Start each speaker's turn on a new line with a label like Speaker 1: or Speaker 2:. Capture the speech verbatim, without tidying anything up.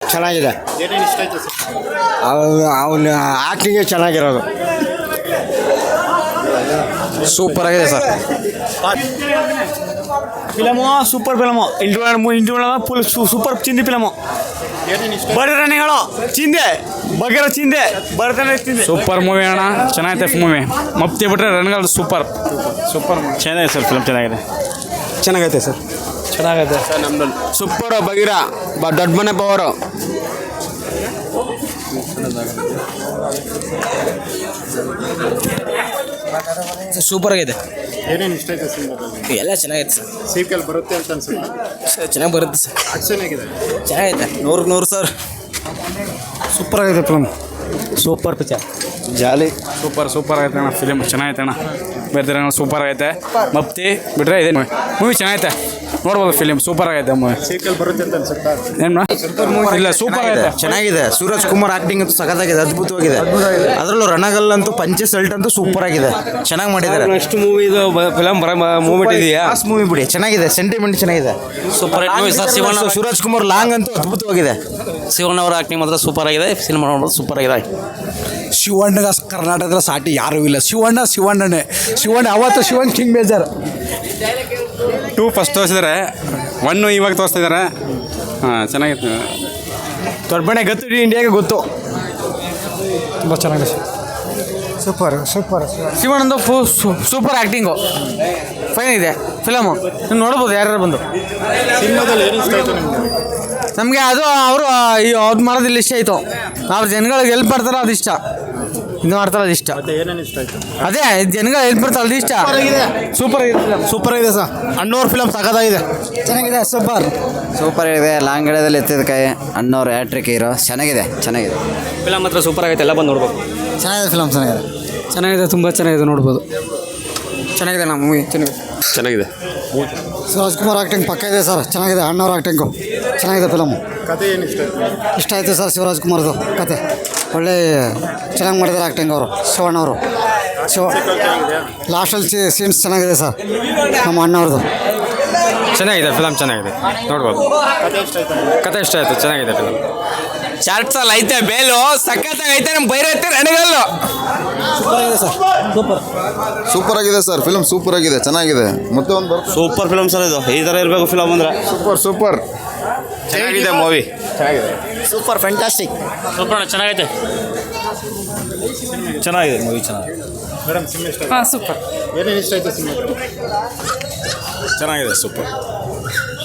Speaker 1: ಚೆನ್ನಾಗಿದೆ.
Speaker 2: ಏನೇನು ಇಷ್ಟ ಆಯ್ತು ಸರ್?
Speaker 1: ಅವನ ಆ್ಯಕ್ಟಿಂಗೇ ಚೆನ್ನಾಗಿರೋದು.
Speaker 3: ಸೂಪರ್ ಆಗಿದೆ sir.
Speaker 4: Film super film. Interview interview full super ಚಿಂದಿ ಫಿಲಮು.
Speaker 2: ಏನೇನು ಇಷ್ಟ?
Speaker 4: ಬಡತನಗಳು ಚಿಂದೆ ಬಗೆರ ಚಿಂದೆ ಬಡತನ ಚಿಂದೆ.
Speaker 3: ಸೂಪರ್ ಮೂವಿ ಅಣ್ಣ, ಚೆನ್ನಾಗೈತೆ ಮೂವಿ. ಮಪ್ತಿ ಬಿಟ್ರೆ ರಣಗಳು ಸೂಪರ್ ಸೂಪರ್
Speaker 4: ಚೆನ್ನಾಗಿದೆ ಸರ್ ಫಿಲಮ್ ಚೆನ್ನಾಗಿದೆ.
Speaker 1: ಚೆನ್ನಾಗೈತೆ ಸರ್.
Speaker 4: ಚೆನ್ನಾಗೈತೆ
Speaker 2: ಸರ್ ನಮ್ಮಲ್ಲಿ
Speaker 1: ಸೂಪರು ಬಗೀರ ಬ ದೊಡ್ಡ ಮನೆ ಪವರು.
Speaker 5: ಸೂಪರ್ ಆಗಿದೆ.
Speaker 2: ಏನೇನು ಇಷ್ಟ ಆಯ್ತು ಸಿನಿಮಾದಲ್ಲಿ?
Speaker 5: ಎಲ್ಲ ಚೆನ್ನಾಗೈತೆ ಸರ್.
Speaker 2: ಸೀಕ್ವೆಲ್ ಬರುತ್ತೆ ಅಂತ ಅನ್ಸುತ್ತೆ.
Speaker 5: ಸರ್ ಚೆನ್ನಾಗಿ ಬರುತ್ತೆ ಸರ್.
Speaker 2: ಆಕ್ಷನ್ ಆಗಿದೆ.
Speaker 5: ಚೆನ್ನಾಗೈತೆ.
Speaker 1: ನೂರಕ್ಕೆ ನೂರು ಸರ್.
Speaker 4: ಸೂಪರ್ ಆಗಿದೆ film. Super picture.
Speaker 1: Jolly.
Speaker 3: Super super ಆಗೈತೆ ಅಣ್ಣ ಫಿಲಿಮ್ ಚೆನ್ನಾಗೈತೆ ಅಣ್ಣ. ಬೇರೆ ಸೂಪರ್ ಆಗೈತೆ. ಮಪ್ತಿ ಬಿಟ್ರೆ ಇದೆ ಮೂವಿ ಚೆನ್ನಾಗೈತೆ, ನೋಡ್ಬೋದು ಫಿಲಿಮ್ ಸೂಪರ್ ಆಗೈತೆ ಮೂವಿ.
Speaker 2: ಸೀಕ್ವೆಲ್ ಬರುತ್ತೆ ಅಂತ ಅನ್ಸುತ್ತಾ?
Speaker 3: ಏನು ಇಲ್ಲ ಸೂಪರ್ ಆಗೈತೆ,
Speaker 1: ಚೆನ್ನಾಗಿದೆ. ಸೂರಜ್ ಕುಮಾರ್ ಆಕ್ಟಿಂಗ್ ಅಂತೂ ಸಖತ್ತಾಗಿದೆ, ಅದ್ಭುತವಾಗಿದೆ. ಅದರಲ್ಲೂ ರಣಗಲ್ ಅಂತೂ ಪಂಚೆ ಸಲ್ಟ್ ಅಂತೂ ಸೂಪರ್ ಆಗಿದೆ, ಚೆನ್ನಾಗಿ ಮಾಡಿದ್ದಾರೆ.
Speaker 4: ನೆಕ್ಸ್ಟ್ ಮೂವಿ ಇದು ಫಿಲಮ್ ಬರ ಮೂಮೆಂಟ್ ಇದೆಯಾ?
Speaker 1: ಲಾಸ್ಟ್ ಮೂವಿ ಬಿಡಿ, ಚೆನ್ನಾಗಿದೆ. ಸೆಂಟಿಮೆಂಟ್ ಚೆನ್ನಾಗಿದೆ.
Speaker 5: Super hit movie sir. Shivanna
Speaker 1: Suraj Kumar long ಅಂತೂ ಅದ್ಭುತವಾಗಿದೆ.
Speaker 5: ಶಿವಣ್ಣ ಅವರ ಆಕ್ಟಿಂಗ್ ಮಾತ್ರ ಸೂಪರ್ ಆಗಿದೆ. ಸಿನಿಮಾ ನೋಡೋದು ಸೂಪರ್ ಆಗಿದೆ.
Speaker 6: ಶಿವಣ್ಣಗ ಕರ್ನಾಟಕದ ಸಾಟಿ ಯಾರೂ ಇಲ್ಲ. ಶಿವಣ್ಣ ಶಿವಣ್ಣನೇ ಶಿವಣ್ಣ ಅವತ್ತು Shivanna king major.
Speaker 3: Two first ತೋರಿಸಿದ್ದಾರೆ, ಒನ್ನು ಇವಾಗ ತೋರಿಸ್ತಾ ಇದ್ದಾರೆ. ಹಾಂ ಚೆನ್ನಾಗಿತ್ತು.
Speaker 4: ದೊಡ್ಡ ಮನೆ ಗೊತ್ತು, ಇಡೀ ಇಂಡಿಯಾಗೆ ಗೊತ್ತು.
Speaker 6: ತುಂಬ ಚೆನ್ನಾಗಿದೆ. Super super.
Speaker 4: ಶಿವಣ್ಣಂದು ಫು ಸೂಪರ್ ಆ್ಯಕ್ಟಿಂಗು ಫೈನ್ ಇದೆ ಫಿಲಮು. ನೀವು ನೋಡ್ಬೋದು ಯಾರ್ಯಾರು ಬಂದು.
Speaker 2: ಸಿನಿಮಾದಲ್ಲಿ ಏನು ಇಷ್ಟ ಆಯ್ತು ನಿಮಗೆ?
Speaker 4: ನಮಗೆ ಅದು ಅವರು ಅವ್ರು ಮಾಡೋದಿಲ್ಲ ಇಷ್ಟ ಆಯಿತು. ಅವ್ರು ಜನಗಳಿಗೆ ಹೆಲ್ಪ್ ಮಾಡ್ತಾರೋ ಅದು ಇಷ್ಟ, ಇದು ಮಾಡ್ತಾರೋ ಅದು ಇಷ್ಟ.
Speaker 2: ಮತ್ತೆ ಏನೇನು ಇಷ್ಟ ಆಯ್ತು?
Speaker 4: ಅದೇ ಜನಗಳು ಹೆಲ್ಪ್ ಮಾಡ್ತಾರೋ ಅದು ಇಷ್ಟ. ಸೂಪರ್ ಆಗಿದೆ ಫಿಲಮ್.
Speaker 1: ಸೂಪರ್ ಆಗಿದೆ ಸರ್. ಅಣ್ಣವ್ರ ಫಿಲಮ್ ಸಖತ್ತಾಗಿದೆ,
Speaker 6: ಚೆನ್ನಾಗಿದೆ. ಸೂಪರ್
Speaker 1: ಸೂಪರ್ ಆಗಿದೆ. ಲಾಂಗ್ ಗಿಡದಲ್ಲಿ ಎತ್ತಿದ ಕೈ ಅಣ್ಣವ್ರ ಹ್ಯಾಟ್ರಿಕ್ ಹೀರೋ. ಚೆನ್ನಾಗಿದೆ ಚೆನ್ನಾಗಿದೆ
Speaker 4: ಫಿಲಮ್ ಮಾತ್ರ ಸೂಪರ್ ಆಗೈತೆ, ಎಲ್ಲ ಬಂದು ನೋಡ್ಬೇಕು.
Speaker 1: ಚೆನ್ನಾಗಿದೆ ಫಿಲಮ್ ಚೆನ್ನಾಗಿದೆ
Speaker 4: ಚೆನ್ನಾಗಿದೆ, ತುಂಬ ಚೆನ್ನಾಗಿದೆ, ನೋಡ್ಬೋದು. ಚೆನ್ನಾಗಿದೆ ನಮ್ಮ ಮೂವಿ ಚೆನ್ನಾಗಿದೆ
Speaker 3: ಚೆನ್ನಾಗಿದೆ.
Speaker 6: ಶಿವರಾಜ್ ಕುಮಾರ್ ಆಕ್ಟಿಂಗ್ ಪಕ್ಕ ಇದೆ ಸರ್, ಚೆನ್ನಾಗಿದೆ. ಅಣ್ಣವ್ರ ಆಕ್ಟಿಂಗು ಚೆನ್ನಾಗಿದೆ. ಫಿಲಮ್
Speaker 2: ಕತೆ ಏನು ಇಷ್ಟ ಆಯ್ತು?
Speaker 6: ಇಷ್ಟ ಆಯಿತು ಸರ್. ಶಿವರಾಜ್ ಕುಮಾರ್ದು ಕತೆ ಒಳ್ಳೆ ಚೆನ್ನಾಗಿ ಮಾಡಿದ್ದಾರೆ ಆ್ಯಕ್ಟಿಂಗ್ ಅವರು, ಶಿವಣ್ಣವರು. ಶಿವ ಲಾಸ್ಟಲ್ಲಿ ಸೀನ್ಸ್ ಚೆನ್ನಾಗಿದೆ ಸರ್ ನಮ್ಮ ಅಣ್ಣವ್ರದ್ದು.
Speaker 3: ಚೆನ್ನಾಗಿದೆ ಫಿಲಮ್, ಚೆನ್ನಾಗಿದೆ, ನೋಡ್ಬೋದು.
Speaker 2: ಕತೆ ಇಷ್ಟ ಆಯ್ತು?
Speaker 3: ಕತೆ ಇಷ್ಟ ಆಯಿತು, ಚೆನ್ನಾಗಿದೆ ಫಿಲಮ್.
Speaker 5: ಚಾರ್ಟ್ಸಲ್ಲಿ ಐತೆ ಬೇಲು ಸಖತ್ತಾಗಿ ಐತೆ. ನಮ್ಮ ಬೈರೈತೆ ರಣಗಲ್ಲು.
Speaker 7: ಸೂಪರ್ ಆಗಿದೆ ಸರ್. ಫಿಲಮ್ ಸೂಪರ್ ಆಗಿದೆ, ಚೆನ್ನಾಗಿದೆ. ಮತ್ತೆ ಒಂದು
Speaker 5: ಸೂಪರ್ ಫಿಲಮ್ ಸರ್ ಇದು. ಈ ಥರ ಇರಬೇಕು ಫಿಲಮ್ ಅಂದರೆ.
Speaker 7: ಸೂಪರ್ ಸೂಪರ್
Speaker 3: ಚೆನ್ನಾಗಿದೆ ಮೂವಿ, ಚೆನ್ನಾಗಿದೆ.
Speaker 1: Super fantastic.
Speaker 4: ಸೂಪರ್ ಚೆನ್ನಾಗೈತೆ, ಚೆನ್ನಾಗಿದೆ ಮೂವಿ ಚೆನ್ನಾಗಿದೆ.
Speaker 2: ಮೇಡಮ್ ಸಿನಿಮಾ ಇಷ್ಟ ಆಯ್ತು?
Speaker 4: ಹಾಂ ಸೂಪರ್
Speaker 2: ಏನೇನು ಇಷ್ಟ ಆಯ್ತು ಸಿನಿಮಾ?
Speaker 3: ಚೆನ್ನಾಗಿದೆ, ಸೂಪರ್.